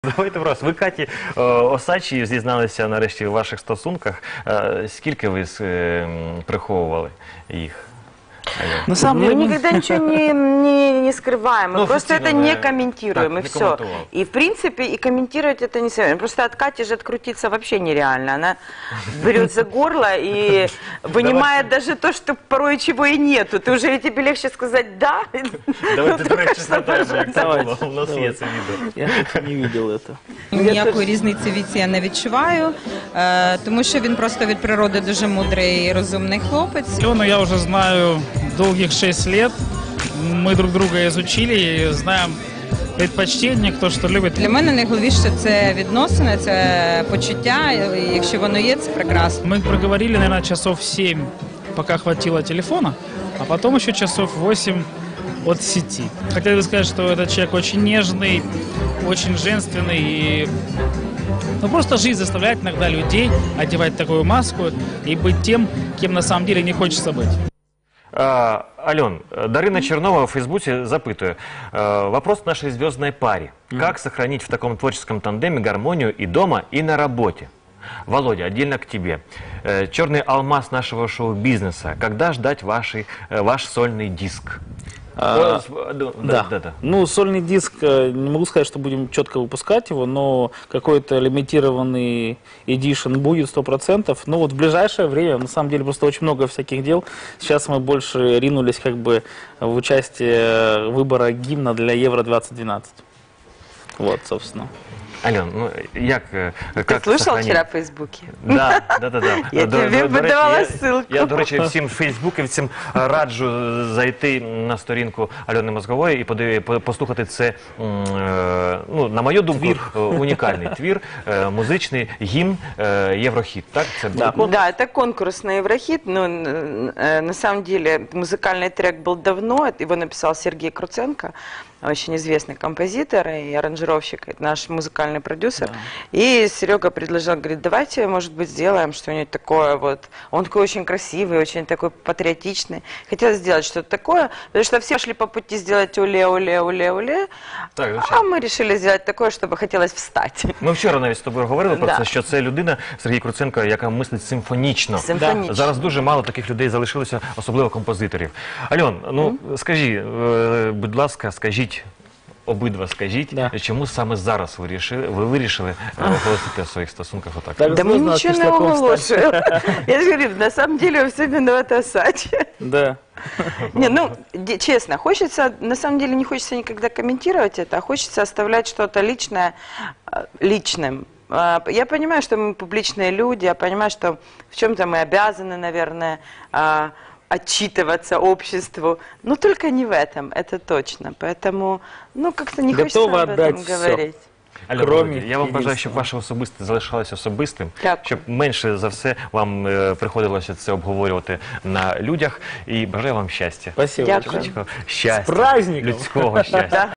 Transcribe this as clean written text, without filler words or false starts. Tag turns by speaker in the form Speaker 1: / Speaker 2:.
Speaker 1: Давайте просто. Ви Каті Осадчій зізналися нарешті у ваших стосунках. Скільки ви приховували їх?
Speaker 2: На самом
Speaker 3: Мы
Speaker 2: деле,
Speaker 3: никогда ничего не скрываем, мы
Speaker 1: Ну,
Speaker 3: просто это
Speaker 1: официально,
Speaker 3: не
Speaker 1: да.
Speaker 3: комментируем,
Speaker 1: Так,
Speaker 3: и
Speaker 1: не
Speaker 3: все.
Speaker 1: комментовал.
Speaker 3: И в принципе, и комментировать это не советуем. Просто от Кати же открутиться вообще нереально. Она берет за горло и вынимает даже то, что порой чего и нету. Ты уже тебе легче сказать «да».
Speaker 1: Давайте, до речі, згадаємо, як це
Speaker 2: Давайте,
Speaker 1: було. У нас є
Speaker 2: давайте.
Speaker 1: це відео.
Speaker 2: я как-то не видел это.
Speaker 4: Ніякої різниці в віці я не відчуваю, тому що він просто від природи дуже мудрий і розумний хлопець.
Speaker 5: Алену я уже знаю долгих 6 лет. Мы друг друга изучили и знаем предпочтения, кто что любит.
Speaker 4: Для мене найголовніше це відносини, це почуття, і якщо воно є, це прекрасно.
Speaker 5: Мы проговорили, наверное, часов 7, пока хватило телефона, а потом еще часов 8 от сети. Хотел бы сказать, что этот человек очень нежный, очень женственный и... Ну, просто жизнь заставляет иногда людей одевать такую маску и быть тем, кем на самом деле не хочется быть.
Speaker 1: Ален, Дарина Чернова в Фейсбуке запытывает. Вопрос к нашей звездной паре. Как сохранить в таком творческом тандеме гармонию и дома, и на работе? Володя, отдельно к тебе. Черный алмаз нашего шоу-бизнеса. Когда ждать ваш сольный диск?
Speaker 2: Да.
Speaker 1: Да.
Speaker 2: Ну, сольный диск, не могу сказать, что будем четко выпускать его, но какой-то лимитированный эдишн будет 100%. Но вот в ближайшее время, на самом деле, просто очень много всяких дел. Сейчас мы больше ринулись как бы в участие выбора гимна для Евро-2012. Вот, собственно.
Speaker 1: Ален, ну як
Speaker 3: Ты слышал
Speaker 1: сохранить?
Speaker 3: вчера в Фейсбуке?
Speaker 1: Да.
Speaker 3: Я тебе подавала ссылку.
Speaker 1: Я, до речі, всім фейсбуківцям раджу зайти на сторінку Альони Мозгової і послухати це, ну, на мою думку, унікальний твір, музичний гімн Єврохіт. Так? Це
Speaker 3: Да, это конкурс на Еврохит, но на самом деле музыкальный трек был давно, его написал Сергей Круценко, очень известный композитор и аранжировщик, это наш музыкальный продюсер. Да. И Серега предложил, говорит, давайте, может быть, сделаем что-нибудь такое вот. Он такой очень красивый, очень такой патриотичный. Хотел сделать что-то такое, потому что все шли по пути сделать уле-уле-уле-уле, а ми решили сделать такое, щоб хотілося встати.
Speaker 1: Ми вчора навіть з тобою говорили про це, що це людина, Сергій Круценко, яка мислить симфонічно.
Speaker 3: Симфонічно.
Speaker 1: Зараз дуже мало таких людей залишилося, особливо композиторів. Альон, ну скажи, будь ласка, обидва скажіть, чому саме зараз ви вирішили оголосити о своїх стосунках отак?
Speaker 2: Так,
Speaker 3: да мы ничего не оголошуем. Я же говорю, на самом деле все виноваты Осадчий.
Speaker 2: Да.
Speaker 3: Не, ну, честно, хочется, на самом деле не хочется никогда комментировать это, а хочется оставлять что-то личное личным. Я понимаю, что мы публичные люди, я понимаю, что в чем-то мы обязаны, наверное, отчитываться обществу, но только не в этом, это точно. Поэтому, ну, как-то не хочется об этом говорить.
Speaker 1: Альона, я вам бажаю, щоб ваше особисте залишалося особистим, щоб менше за все вам приходилося це обговорювати на людях. І бажаю вам щастя.
Speaker 2: Спасибо.
Speaker 3: Дякую.
Speaker 1: Щастя.
Speaker 2: З праздником!
Speaker 1: Людського щастя.